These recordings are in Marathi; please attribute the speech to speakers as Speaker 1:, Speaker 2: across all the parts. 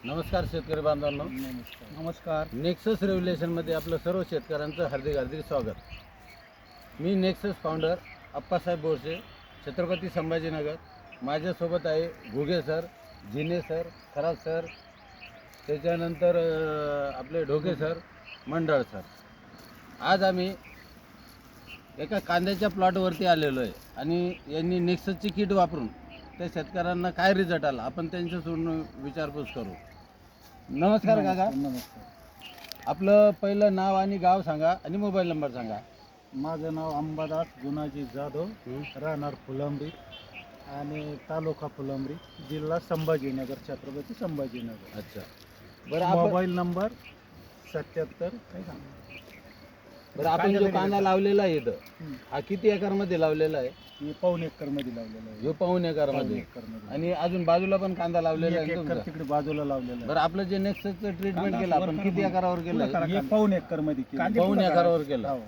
Speaker 1: नमस्कार शेतकरी बांधवांनो.
Speaker 2: नमस्कार.
Speaker 1: नेक्सस रेव्होल्युशनमध्ये आपलं सर्व शेतकऱ्यांचं हार्दिक स्वागत. मी नेक्सस फाउंडर अप्पासाहेब बोरसे, छत्रपती संभाजीनगर. माझ्यासोबत आहे Ghuge sir, Jine sir, Kharat sir, त्याच्यानंतर आपले ढोके सर, मंडळ सर. आज आम्ही एका कांद्याच्या प्लॉटवरती आलेलो आहे आणि यांनी नेक्ससची किट वापरून त्या शेतकऱ्यांना काय रिझल्ट आला आपण त्यांच्यासोबत विचारपूस करू. नमस्कार काका.
Speaker 2: नमस्कार.
Speaker 1: आपलं पहिलं नाव आणि गाव सांगा आणि मोबाईल नंबर सांगा.
Speaker 2: माझं नाव अंबादास गुणाजी जाधव, राहणार फुलंब्री आणि तालुका फुलंब्री, जिल्हा संभाजीनगर, छत्रपती संभाजीनगर.
Speaker 1: अच्छा, बरं आपण
Speaker 2: मोबाईल नंबर 77
Speaker 1: बरं आपण जो कांदा लावलेला आहे इथं, हा किती एकरमध्ये लावलेला आहे?
Speaker 2: हे पाऊण एकर मध्ये लावलेलं आहे.
Speaker 1: ह्यो पाऊण एकरमध्ये. आणि अजून बाजूला पण कांदा लावलेला आहे
Speaker 2: एक
Speaker 1: तुमचा?
Speaker 2: एकर तिकडे बाजूला लावलेलं
Speaker 1: बरं, आपलं जे नेक्ससचं ट्रीटमेंट केलं आपण किती एकरावर केलं?
Speaker 2: आहे. हे पाऊण एकर मध्ये केलं.
Speaker 1: पाऊण एकरावर केलं.
Speaker 2: हो.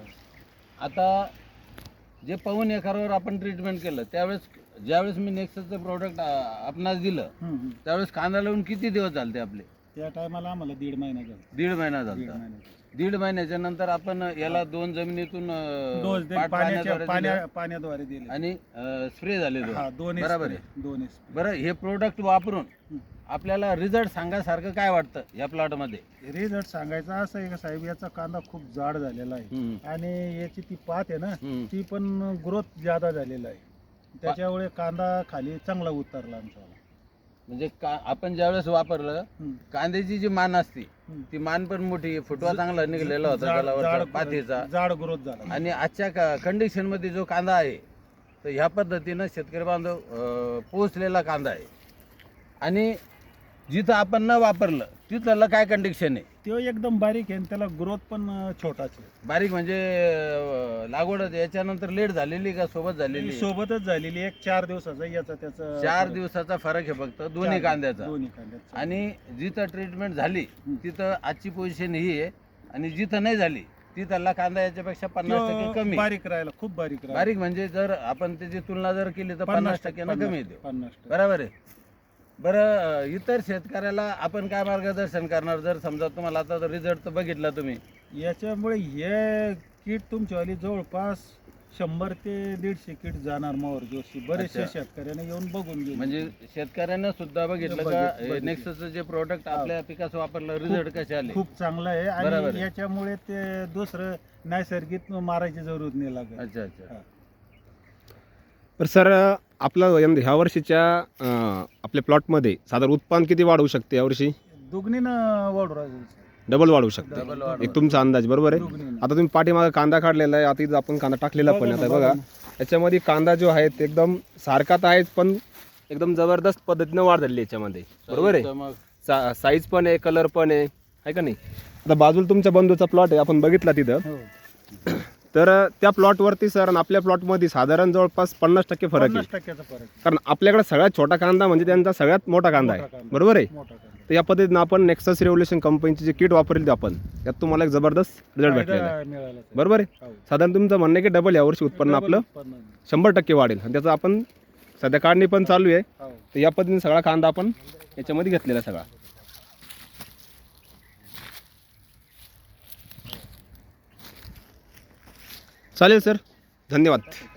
Speaker 1: आता जे पाऊण एकरावर आपण ट्रीटमेंट केलं ज्यावेळेस मी नेक्ससचं प्रोडक्ट आपणास दिलं त्यावेळेस कांदा लावून किती दिवस झाले आपले?
Speaker 2: त्या टायमाला आम्हाला 1.5 महिना झाला.
Speaker 1: 1.5 महिना झाला. 1.5 महिन्याच्या नंतर आपण याला 2 जमिनीतून
Speaker 2: डोस पाण्याद्वारे दिले
Speaker 1: आणि स्प्रे झाले बरोबर आहे.
Speaker 2: दोन्ही.
Speaker 1: बरं, हे प्रोडक्ट वापरून आपल्याला रिझल्ट सांगासारखं काय वाटतं या प्लॉट मध्ये?
Speaker 2: रिझल्ट सांगायचा असं आहे का साहेब, याचा कांदा खूप जाड झालेला आहे आणि याची ती पात आहे ना, ती पण ग्रोथ ज्यादा झालेला आहे. त्याच्यामुळे कांदा खाली चांगला उतरला आमचा.
Speaker 1: म्हणजे आपण ज्यावेळेस वापरलं कांद्याची जी मान असते ती मान पण मोठी, फुटवा चांगला निघलेला होता पातीचा,
Speaker 2: जाड ग्रोथ झाला.
Speaker 1: आणि आजच्या कंडिशन मध्ये जो कांदा आहे तर ह्या पद्धतीनं शेतकरी बांधव पोहोचलेला कांदा आहे. आणि जिथं आपण न वापरलं तिथलं काय कंडिशन आहे?
Speaker 2: तो एकदम बारीक आहे आणि त्याला ग्रोथ पण छोटाच आहे.
Speaker 1: बारीक म्हणजे लागवड याच्यानंतर लेट झालेली का सोबत झालेली?
Speaker 2: सोबतच झालेली. एक 4 दिवसाचा याचा त्याचा
Speaker 1: 4 दिवसाचा फरक आहे फक्त दोन्ही कांद्याचा.
Speaker 2: दोन्ही कांद्याचा.
Speaker 1: आणि जिथं ट्रीटमेंट झाली तिथं आजची पोझिशन ही आहे आणि जिथं नाही झाली तिथला कांदा याच्यापेक्षा 50% कमी.
Speaker 2: बारीक राहिला, खूप बारीक राहिला.
Speaker 1: बारीक म्हणजे जर आपण त्याची तुलना जर केली तर 50% कमी येते.
Speaker 2: 50%.
Speaker 1: बरोबर आहे. बरं, इतर शेतकऱ्याला आपण काय मार्गदर्शन करणार? जर समजा तुम्हाला आता रिझल्ट तर बघितला तुम्ही,
Speaker 2: याच्यामुळे हे किट तुमच्यावाली जवळपास 100 ते 150 किट जाणार मावर जोशी. बरेचशे शेतकऱ्यांना येऊन बघून गेले.
Speaker 1: म्हणजे शेतकऱ्यांना सुद्धा बघितलं का नेक्ससचं जे प्रोडक्ट आपल्या पिकाचं वापरलं रिझल्ट कसे आले?
Speaker 2: खूप चांगलं आहे आणि याच्यामुळे ते दुसरं नैसर्गिक मारायची जरूरत नाही लागत.
Speaker 1: अच्छा अच्छा.
Speaker 3: तर सर, आपलं ह्या वर्षीच्या आपल्या प्लॉटमध्ये साधारण उत्पादन किती वाढवू शकते यावर्षी?
Speaker 2: दुगणीनं वाढू राहील.
Speaker 3: डबल वाढवू शकते एक तुमचा अंदाज, बरोबर आहे? आता तुम्ही पाठीमागे कांदा काढलेला आहे, आता इथं आपण कांदा टाकलेला पण आता बघा याच्यामध्ये कांदा जो आहे ते एकदम सारखा तर आहेच पण एकदम जबरदस्त पद्धतीनं वाढ झाली याच्यामध्ये, बरोबर आहे? साईज पण आहे, कलर पण आहे का नाही? आता बाजूला तुमच्या बंधूचा प्लॉट आहे, आपण बघितला तिथं. तर त्या प्लॉटवरती सर आणि आपल्या प्लॉटमध्ये साधारण जवळपास 50% फरक आहे. कारण आपल्याकडे सगळ्यात छोटा कांदा म्हणजे त्यांचा सगळ्यात मोठा कांदा आहे, बरोबर आहे? तर या पद्धतीनं आपण नेक्सस रेव्होल्युशन कंपनीची जे किट वापरली आपण त्यात तुम्हाला एक जबरदस्त रिझल्ट भेटलेला आहे, बरोबर आहे? साधारण तुमचं म्हणणं की डबल यावर्षी उत्पन्न आपलं 100% वाढेल आणि त्याचं आपण सध्या काढणी पण चालू आहे. तर या पद्धतीने सगळा कांदा आपण याच्यामध्ये घेतलेला सगळा. चालेल सर, धन्यवाद.